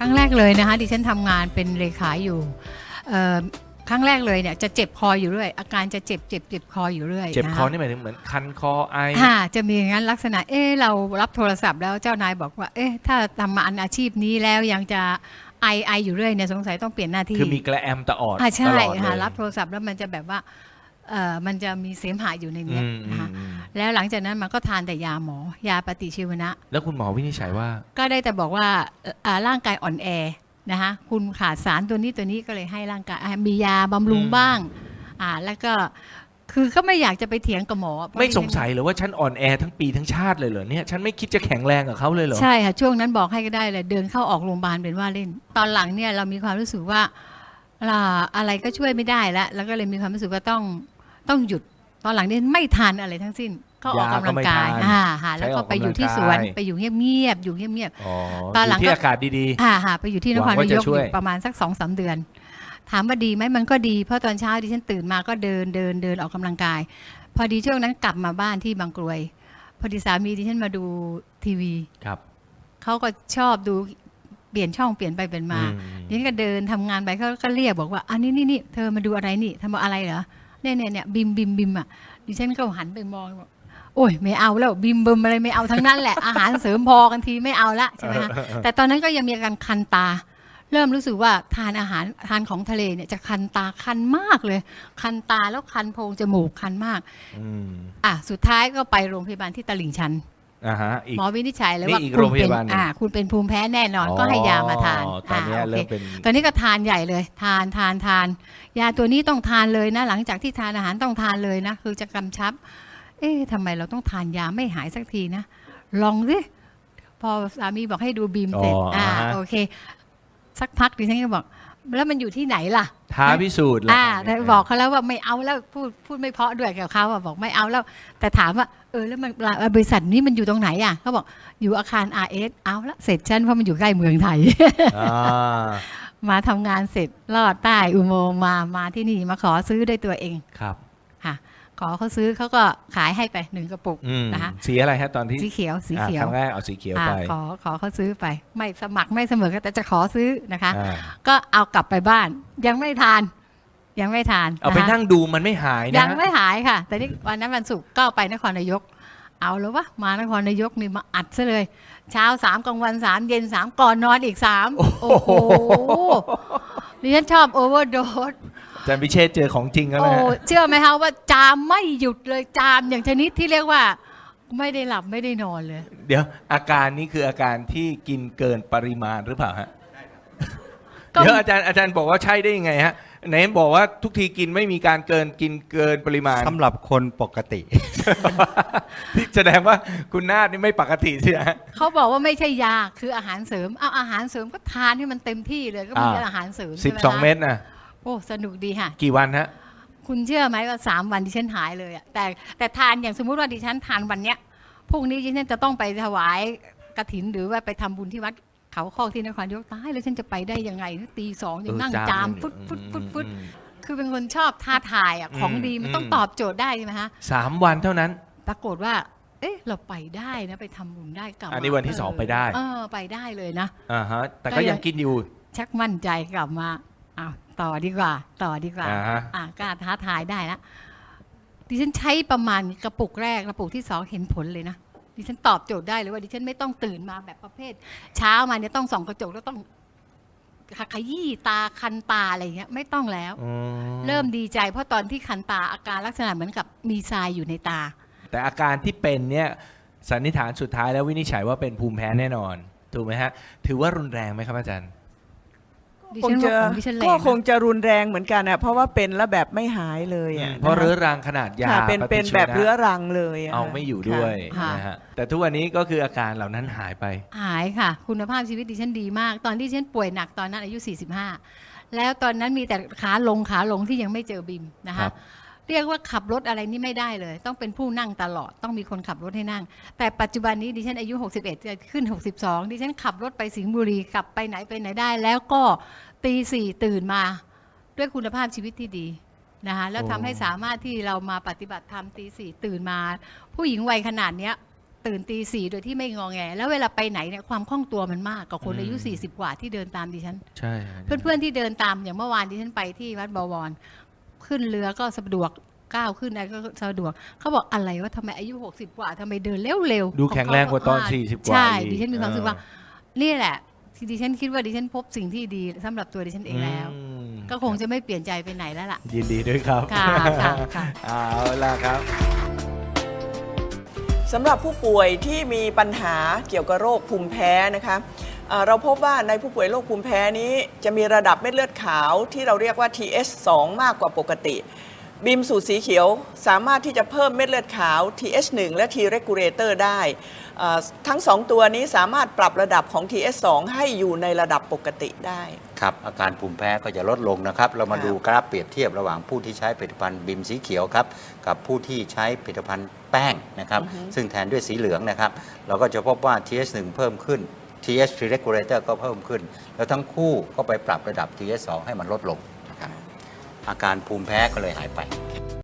รั้งแรกเลยนะคะดิฉันทำงานเป็นเลขาอยู่ครั้งแรกเลยเนี่ยจะเจ็บคออยู่เรื่อยอาการจะเจ็บคออยู่เรื่อยเจ็บคอนี่หมายถึงเหมือนคันคอไอจะมีอย่างนั้นลักษณะเรารับโทรศัพท์แล้วเจ้านายบอกว่าถ้าทำมาอาชีพนี้แล้วยังจะไออยู่เรื่อยเนี่ยสงสัยต้องเปลี่ยนหน้าที่คือมีกระแอมตลอดใช่ค่ะรับโทรศัพท์แล้วมันจะแบบว่ามันจะมีเสมหะอยู่ในนี้นะคะแล้วหลังจากนั้นมันก็ทานแต่ยาหมอยาปฏิชีวนะแล้วคุณหมอวินิจฉัยว่าก็ได้แต่บอกว่าร่างกายอ่อนแอนะคะคุณขาดสารตัวนี้ก็เลยให้ร่างกายมียาบำรุงบ้างแล้วก็คือก็ไม่อยากจะไปเถียงกับหมอไม่สงสัยหรือว่าฉันอ่อนแอทั้งปีทั้งชาติเลยเหรอเนี่ยฉันไม่คิดจะแข็งแรงกับเขาเลยเหรอใช่ค่ะช่วงนั้นบอกให้ก็ได้เลยเดินเข้าออกโรงพยาบาลเป็นว่าเล่นตอนหลังเนี่ยเรามีความรู้สึกว่าอะไรก็ช่วยไม่ได้แล้วก็เลยมีความรู้สึกว่าต้องหยุดตอนหลังนี้ไม่ทานอะไรทั้งสิ้นก็ออกกำลังกายแล้วก็ไปอยู่ที่สวนไปอยู่เงียบตอนหลังที่อากาศดีๆไปอยู่ที่นครนายกประมาณสัก 2-3 เดือนถามว่าดีไหมมันก็ดีเพราะตอนเช้าดิฉันตื่นมาก็เดินออกกำลังกายพอดีช่วงนั้นกลับมาบ้านที่บางกรวยพอดีสามีดิฉันมาดูทีวีครับเขาก็ชอบดูเปลี่ยนช่องเปลี่ยนไปเปลี่ยนมาดิฉันก็เดินทำงานไปเขาก็เรียกบอกว่าอันนี้เธอมาดูอะไรนี่ทำอะไรเหรอเนี่ยบิมอ่ะดิฉันก็หันไปมองบอกโอ้ยไม่เอาแล้วบิมอะไรไม่เอาทั้งนั้นแหละ อาหารเสริมพอกันทีไม่เอาละใช่ไหมคะแต่ตอนนั้นก็ยังมีอาการคันตาเริ่มรู้สึกว่าทานของทะเลเนี่ยจะคันตาคันมากเลยคันตาแล้วคันโพรงจมูกคันมากสุดท้ายก็ไปโรงพยาบาลที่ตลิ่งชันหมอวินิจฉัยเลยว่าคุณเป็นภูมิแพ้แน่นอนก็ให้ยามาทานตอนนี้เริ่มเป็นตอนนี้ก็ทานใหญ่เลยทานยาตัวนี้ต้องทานเลยนะหลังจากที่ทานอาหารต้องทานเลยนะคือจะกำชับทำไมเราต้องทานยาไม่หายสักทีนะลองสิพอสามีบอกให้ดูบีมเสร็จโอเคสักพักดิฉันก็บอกแล้วมันอยู่ที่ไหนล่ะท้าพิสูจน์แล้วบอกเขาแล้วว่าไม่เอาแล้วพูดไม่เพราะด้วยกับเขาบอกไม่เอาแล้วแต่ถามว่าแล้วมันบริษัทนี้มันอยู่ตรงไหนเขาบอกอยู่อาคาร RS เอาละเสร็จฉันเพราะมันอยู่ใกล้เมืองไทยมาทำงานเสร็จลอดใต้อุโมงค์มาที่นี่มาขอซื้อด้วยตัวเองครับค่ะขอเขาซื้อเขาก็ขายให้ไป1กระปุกนะคะสีอะไรฮะตอนที่สีเขียวครั้งแรกเอาสีเขียวไปขอเขาซื้อไปไม่สมัครไม่เสมอแต่จะขอซื้อนะคะก็เอากลับไปบ้านยังไม่ทานเอาไปนั่งดูมันไม่หายนะยังไม่หายค่ะแต่นี่วันนั้นวันศุกร์ก็ไปนครนายกเอาแล้ววะมานครนายกนี่มาอัดซะเลยเช้า3กลางวัน3เย็น3ก่อนนอนอีก3โอ้โหดิฉันชอบโอเวอร์โดสอาจารย์พิเชษเจอของจริงแล้วนะเชื่อไหมคะว่าจามไม่หยุดเลยจามอย่างชนิดที่เรียกว่าไม่ได้หลับไม่ได้นอนเลยเดี๋ยวอาการนี้คืออาการที่กินเกินปริมาณหรือเปล่าฮะเดี๋ยวอาจารย์บอกว่าใช่ได้ยังไงฮะไหนบอกว่าทุกทีกินไม่มีการกินเกินปริมาณสำหรับคนปกติที่แสดงว่าคุณนาฏนี่ไม่ปกติสิฮะเขาบอกว่าไม่ใช่ยาคืออาหารเสริมเอาอาหารเสริมก็ทานให้มันเต็มที่เลยก็มีอาหารเสริม 12 เม็ดนะโอ้สนุกดีค่ะกี่วันฮะคุณเชื่อไหมว่า3 วันดิฉันหายเลยอะแต่ทานอย่างสมมุติว่าดิฉันทานวันเนี้ยพรุ่งนี้ดิฉันจะต้องไปถวายกฐินหรือว่าไปทำบุญที่วัดเขาคอกที่นครนายกตายแล้วฉันจะไปได้ยังไงตี 2ยังนั่งจามฟุดคือเป็นคนชอบท้าทายอ่ะของดีมันต้องตอบโจทย์ได้ใช่ไหมฮะ 3 วันเท่านั้นปรากฏว่าเราไปได้นะไปทำบุญได้กลับอันนี้วันที่2ไปได้ไปได้เลยนะแต่ก็ยังกินอยู่ชักมั่นใจกลับมาต่อดีกว่ากล้าท้าทายได้นะดิฉันใช้ประมาณกระปุกแรกกระปุกที่2เห็นผลเลยนะดิฉันตอบโจทย์ได้เลยว่าดิฉันไม่ต้องตื่นมาแบบประเภทเช้ามาเนี่ยต้องส่องกระจกแล้วต้องขยี้ตาคันตาอะไรเงี้ยไม่ต้องแล้วเริ่มดีใจเพราะตอนที่คันตาอาการลักษณะเหมือนกับมีทรายอยู่ในตาแต่อาการที่เป็นเนี่ยสันนิษฐานสุดท้ายแล้ววินิจฉัยว่าเป็นภูมิแพ้แน่นอนถูกไหมฮะถือว่ารุนแรงไหมครับอาจารย์ก็คงจะรุนแรงเหมือนกันอ่ะเพราะว่าเป็นแล้วแบบไม่หายเลยอ่ะเพราะเรื้อรังขนาดยาเป็นแบบเรื้อรังเลยเอาไม่อยู่ด้วยนะฮะแต่ทุกวันนี้ก็คืออาการเหล่านั้นหายไปหายค่ะคุณภาพชีวิตดิฉันดีมากตอนที่ดิฉันป่วยหนักตอนนั้นอายุ45แล้วตอนนั้นมีแต่ขาลงที่ยังไม่เจอบิมนะคะเรียกว่าขับรถอะไรนี่ไม่ได้เลยต้องเป็นผู้นั่งตลอดต้องมีคนขับรถให้นั่งแต่ปัจจุบันนี้ดิฉันอายุ61จะขึ้น62ดิฉันขับรถไปสิงห์บุรีกลับไปไหนได้แล้วก็ตี 4ตื่นมาด้วยคุณภาพชีวิตที่ดีนะคะแล้วทำให้สามารถที่เรามาปฏิบัติธรรมตี 4ตื่นมาผู้หญิงวัยขนาดเนี้ยตื่นตี 4โดยที่ไม่งอแงแล้วเวลาไปไหนเนี่ยความคล่องตัวมันมากกว่าคนอายุ40กว่าที่เดินตามดิฉันใช่เพื่อนๆที่เดินตามอย่างเมื่อวานที่ฉันไปที่วัดบวรขึ้นเรือก็สะดวกก้าวขึ้นอะไรก็สะดวกเขาบอกอะไรว่าทำไมอายุ60กว่าทำไมเดินเร็วๆดูแข็งแรงกว่าตอน40กว่าใช่อีกดิฉันมีความรู้สึกว่านี่แหละที่ดิฉันคิดว่าดิฉันพบสิ่งที่ดีสำหรับตัวดิฉันเองแล้ว ก็คงจะไม่เปลี่ยนใจไปไหนแล้วล่ะยินดีด้วยครับค่ะค่ะเอาล่ะครับสำหรับผู้ป่วยที่มีปัญหาเกี่ยวกับโรคภูมิแพ้นะคะเราพบว่าในผู้ป่วยโรคภูมิแพ้นี้จะมีระดับเม็ดเลือดขาวที่เราเรียกว่า TH2 มากกว่าปกติบีมสูตรสีเขียวสามารถที่จะเพิ่มเม็ดเลือดขาว TH1 และ T regulator ได้ทั้ง2ตัวนี้สามารถปรับระดับของ TH2 ให้อยู่ในระดับปกติได้ครับอาการภูมิแพ้ก็จะลดลงนะครับเรามาดูกราฟเปรียบเทียบระหว่างผู้ที่ใช้ผลิตภัณฑ์บิมสีเขียวครับกับผู้ที่ใช้ผลิตภัณฑ์แป้งนะครับซึ่งแทนด้วยสีเหลืองนะครับเราก็จะพบว่า TH1 เพิ่มขึ้น TH3 regulator ก็เพิ่มขึ้น แล้วทั้งคู่ก็ไปปรับระดับ TH2 ให้มันลดลงนะครับอาการภูมิแพ้ก็เลยหายไป